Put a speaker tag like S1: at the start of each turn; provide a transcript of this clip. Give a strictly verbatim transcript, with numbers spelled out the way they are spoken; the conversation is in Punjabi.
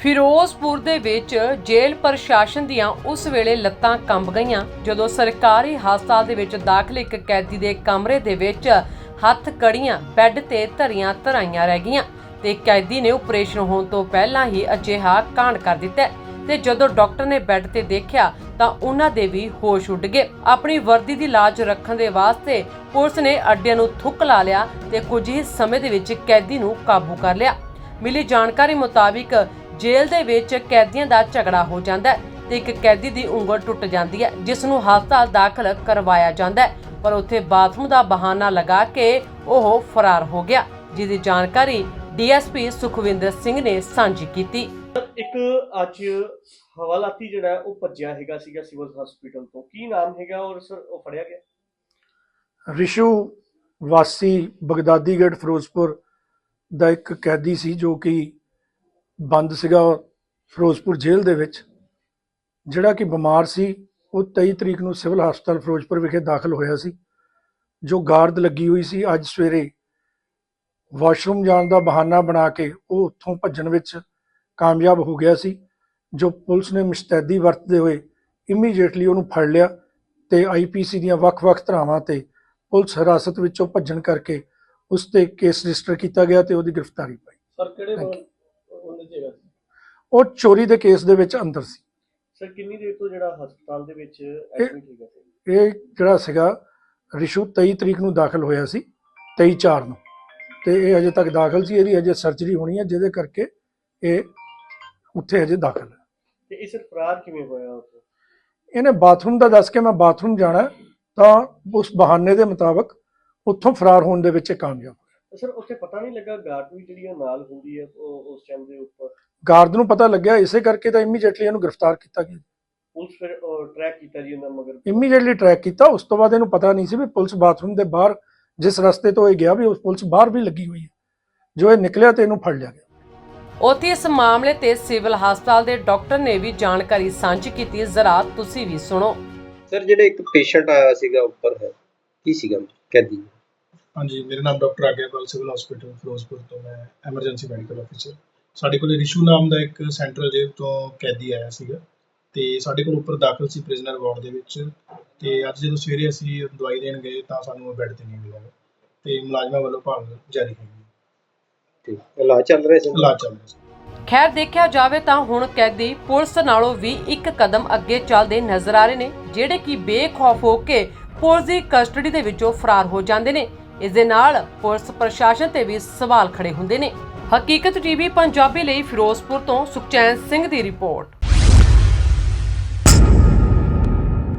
S1: ਫਿਰੋਜ਼ਪੁਰ ਦੇ ਵਿੱਚ ਜੇਲ੍ਹ ਪ੍ਰਸ਼ਾਸਨ ਦੀਆਂ ਉਸ ਵੇਲੇ ਲੱਤਾਂ ਕੰਬ ਗਈਆਂ ਜਦੋਂ ਸਰਕਾਰੀ ਹਸਪਤਾਲ ਦੇ ਵਿੱਚ ਦਾਖਲ ਇੱਕ ਕੈਦੀ ਦੇ ਕਮਰੇ ਦੇ ਵਿੱਚ ਹੱਥ ਕੜੀਆਂ ਬੈੱਡ ਤੇ ਧਰੀਆਂ ਧਰਾਈਆਂ ਰਹਿ ਗਈਆਂ ਤੇ ਕੈਦੀ ਨੇ ਆਪਰੇਸ਼ਨ ਹੋਣ ਤੋਂ ਪਹਿਲਾਂ ਹੀ ਅਜਿਹਾ ਕਾਂਡ ਕਰ ਦਿੱਤਾ ਤੇ ਜਦੋਂ ਡਾਕਟਰ ਨੇ ਬੈੱਡ ਤੇ ਦੇਖਿਆ ਤਾਂ ਉਹਨਾਂ ਦੇ ਵੀ ਹੋਸ਼ ਉੱਡ ਗਏ। ਆਪਣੀ ਵਰਦੀ ਦੀ ਲਾਜ ਰੱਖਣ ਦੇ ਵਾਸਤੇ ਪੁਲਿਸ ਨੇ ਅੱਡਿਆਂ ਨੂੰ ਥੁੱਕ ਲਾ ਲਿਆ ਤੇ ਕੁਝ ਹੀ ਸਮੇਂ ਦੇ ਵਿੱਚ ਕੈਦੀ ਨੂੰ ਕਾਬੂ ਕਰ ਲਿਆ। ਮਿਲੀ ਜਾਣਕਾਰੀ ਮੁਤਾਬਿਕ ਜੇਲ੍ਹ ਦੇ ਵਿੱਚ ਕੈਦੀਆਂ ਦਾ ਝਗੜਾ ਹੋ ਜਾਂਦਾ ਹੈ ਤੇ ਇੱਕ ਕੈਦੀ ਦੀ ਉਂਗਲ ਟੁੱਟ ਜਾਂਦੀ ਹੈ ਜਿਸ ਨੂੰ ਹਸਪਤਾਲ ਦਾਖਲ ਕਰਵਾਇਆ ਜਾਂਦਾ ਹੈ, ਪਰ ਉੱਥੇ ਬਾਥਰੂਮ ਦਾ ਬਹਾਨਾ ਲਗਾ ਕੇ ਉਹ ਫਰਾਰ ਹੋ ਗਿਆ, ਜਿਸ ਦੀ ਜਾਣਕਾਰੀ D S P Sukhwinder Singh ਨੇ ਸਾਂਝੀ ਕੀਤੀ।
S2: ਇੱਕ ਅੱਜ ਹਵਾਲਾਤੀ ਜਿਹੜਾ ਉਹ ਭੱਜਿਆ ਹੈਗਾ ਸੀਗਾ ਸਿਵਲ ਹਸਪੀਟਲ ਤੋਂ, ਕੀ ਨਾਮ ਹੈਗਾ ਔਰ ਸਰ ਉਹ ਫੜਿਆ ਗਿਆ?
S3: ਰਿਸ਼ੂ ਵਾਸੀ ਬਗਦਾਦੀਗੜ੍ਹ ਫਿਰੋਜ਼ਪੁਰ ਦਾ ਇੱਕ ਕੈਦੀ ਸੀ ਜੋ ਕਿ ਬੰਦ ਸੀਗਾ ਫਿਰੋਜ਼ਪੁਰ ਜੇਲ੍ਹ ਦੇ ਵਿੱਚ, ਜਿਹੜਾ ਕਿ ਬਿਮਾਰ ਸੀ। ਉਹ ਤੇਈ ਤਰੀਕ ਨੂੰ ਸਿਵਲ ਹਸਪਤਾਲ ਫਿਰੋਜ਼ਪੁਰ ਵਿਖੇ ਦਾਖਲ ਹੋਇਆ ਸੀ। ਜੋ ਗਾਰਦ ਲੱਗੀ ਹੋਈ ਸੀ, ਅੱਜ ਸਵੇਰੇ ਵਾਸ਼ਰੂਮ ਜਾਣ ਦਾ ਬਹਾਨਾ ਬਣਾ ਕੇ ਉਹ ਉੱਥੋਂ ਭੱਜਣ ਵਿੱਚ ਕਾਮਯਾਬ ਹੋ ਗਿਆ ਸੀ। ਜੋ ਪੁਲਿਸ ਨੇ ਮੁਸਤੈਦੀ ਵਰਤਦੇ ਹੋਏ ਇਮੀਡੀਏਟਲੀ ਉਹਨੂੰ ਫੜ ਲਿਆ ਤੇ ਆਈ ਪੀ ਸੀ ਦੀਆਂ ਵੱਖ-ਵੱਖ ਧਾਰਾਵਾਂ ਤੇ ਪੁਲਿਸ ਹਿਰਾਸਤ ਵਿੱਚੋਂ ਭੱਜਣ ਕਰਕੇ ਉਸ ਤੇ ਕੇਸ ਰਜਿਸਟਰ ਕੀਤਾ ਗਿਆ ਤੇ ਉਹਦੀ ਗ੍ਰਿਫਤਾਰੀ ਪਾਈ।
S2: ਸਰ ਕਿਹੜੇ ਉਹਨੇ ਜਗ੍ਹਾ ਸੀ?
S3: ਉਹ ਚੋਰੀ ਦੇ ਕੇਸ ਦੇ ਵਿੱਚ ਅੰਦਰ ਸੀ।
S2: ਸਰ ਕਿੰਨੀ ਦੇਰ ਤੋਂ ਜਿਹੜਾ ਹਸਪਤਾਲ ਦੇ ਵਿੱਚ ਐਡਮਿਟ ਹੈਗਾ ਸੀ?
S3: ਇਹ ਜਿਹੜਾ ਸੀਗਾ ਰਿਸ਼ੂ ਤੇਈ ਤਰੀਕ ਨੂੰ ਦਾਖਲ ਹੋਇਆ ਸੀ, ਤੇਈ ਚਾਰ ਨੂੰ, ਤੇ ਇਹ ਅਜੇ ਤੱਕ ਦਾਖਲ ਸੀ। ਇਹਦੀ ਅਜੇ ਸਰਜਰੀ ਹੋਣੀ ਹੈ ਜਿਹਦੇ ਕਰਕੇ ਇਹ ਉੱਥੇ ਅਜੇ ਦਾਖਲ ਹੈ।
S2: ਤੇ ਇਹ ਸਰ ਫਰਾਰ ਕਿਵੇਂ ਹੋਇਆ?
S3: ਇਹਨੇ ਬਾਥਰੂਮ ਦਾ ਦੱਸ ਕੇ ਮੈਂ ਬਾਥਰੂਮ ਜਾਣਾ ਤਾਂ ਉਸ ਬਹਾਨੇ ਦੇ ਮੁਤਾਬਕ ਉੱਥੋਂ ਫਰਾਰ ਹੋਣ ਦੇ ਵਿੱਚ ਇਹ ਕਾਮਯਾਬ ਹੋਇਆ।
S2: ਸਰ ਉੱਥੇ ਪਤਾ ਨਹੀਂ ਲੱਗਾ ਗਾਰਡ ਵੀ ਜਿਹੜੀ ਨਾਲ ਹੁੰਦੀ ਹੈ ਉਹ ਉਸ ਟਾਈਮ ਦੇ ਉੱਪਰ?
S3: ਗਾਰਡ ਨੂੰ ਪਤਾ ਲੱਗਿਆ, ਇਸੇ ਕਰਕੇ ਤਾਂ ਇਮੀਡੀਏਟਲੀ ਇਹਨੂੰ ਗ੍ਰਿਫਤਾਰ ਕੀਤਾ ਗਿਆ।
S2: ਪੁਲਿਸ ਫਿਰ ਟਰੈਕ ਕੀਤਾ ਜੀ ਉਹਨਾਂ ਮਗਰ?
S3: ਇਮੀਡੀਏਟਲੀ ਟਰੈਕ ਕੀਤਾ। ਉਸ ਤੋਂ ਬਾਅਦ ਇਹਨੂੰ ਪਤਾ ਨਹੀਂ ਸੀ ਵੀ ਪੁਲਿਸ ਬਾਥਰੂਮ ਦੇ ਬਾਹਰ ਜਿਸ ਰਸਤੇ ਤੋਂ ਇਹ ਗਿਆ ਵੀ ਉਸ ਪੁਲਿਸ ਬਾਹਰ ਵੀ ਲੱਗੀ ਹੋਈ ਹੈ। ਜੋ ਇਹ ਨਿਕਲਿਆ ਤੇ ਇਹਨੂੰ ਫੜ ਲਿਆ ਗਿਆ।
S1: ਉੱਥੇ ਇਸ ਮਾਮਲੇ ਤੇ ਸਿਵਲ ਹਸਪਤਾਲ ਦੇ ਡਾਕਟਰ ਨੇ ਵੀ ਜਾਣਕਾਰੀ ਸਾਂਝੀ ਕੀਤੀ, ਜ਼ਰਾ ਤੁਸੀਂ ਵੀ ਸੁਣੋ।
S4: ਸਰ ਜਿਹੜੇ ਇੱਕ ਪੇਸ਼ੈਂਟ ਆਇਆ ਸੀਗਾ ਉੱਪਰ ਹੈ, ਕੀ ਸੀਗਾ ਕੈਦੀ?
S5: ਹਾਂਜੀ, ਮੇਰਾ ਨਾਮ doctor Aagyapal, civil hospital Firozpur ਤੋਂ ਮੈਂ ਐਮਰਜੈਂਸੀ ਮੈਡੀਕਲ ਅਫੀਸਰ। ਸਾਡੇ ਕੋਲ ਰਿਸ਼ੂ ਨਾਮ ਦਾ ਇੱਕ ਸੈਂਟਰਲ ਜੇਲ੍ਹ ਤੋਂ ਕੈਦੀ ਆਇਆ ਸੀਗਾ ਤੇ ਸਾਡੇ ਕੋਲ ਉੱਪਰ ਦਾਖਲ ਸੀ ਪ੍ਰਿਜ਼ਨਰ ਵਾਰਡ ਦੇ ਵਿੱਚ। ਤੇ ਅੱਜ ਜਦੋਂ ਸਵੇਰੇ ਅਸੀਂ ਦਵਾਈ ਦੇਣ ਗਏ ਤਾਂ ਸਾਨੂੰ ਬੈੱਡ ਤੇ ਨਹੀਂ ਮਿਲਿਆ ਤੇ ਮੁਲਾਜ਼ਮਾਂ ਵੱਲੋਂ ਭਾਲ ਜਾਰੀ ਹੈਗੀ।
S4: ਠੀਕ, ਇਲਾਜ ਚੱਲ ਰਿਹਾ ਸੀ?
S5: ਇਲਾਜ ਚੱਲ ਰਿਹਾ ਸੀ।
S1: ਖੈਰ ਦੇਖਿਆ ਜਾਵੇ ਤਾਂ ਹੁਣ ਕੈਦੀ ਪੁਲਿਸ ਨਾਲੋਂ ਵੀ ਇੱਕ ਕਦਮ ਅੱਗੇ ਚੱਲਦੇ ਨਜ਼ਰ ਆ ਰਹੇ ਨੇ, ਜਿਹੜੇ ਕਿ ਬੇਖੌਫ ਹੋ ਕੇ ਪੁਲਿਸ ਦੀ ਕਸਟਡੀ ਦੇ ਵਿੱਚੋਂ ਫਰਾਰ ਹੋ ਜਾਂਦੇ ਨੇ। ਇਸ ਦੇ ਨਾਲ ਪੁਲਿਸ ਪ੍ਰਸ਼ਾਸਨ ਤੇ ਵੀ ਸਵਾਲ ਖੜੇ ਹੁੰਦੇ ਨੇ। ਹਕੀਕਤ ਟੀਵੀ ਪੰਜਾਬੀ ਲਈ ਫਿਰੋਜ਼ਪੁਰ ਤੋਂ ਸੁਖਚੈਨ ਸਿੰਘ ਦੀ ਰਿਪੋਰਟ।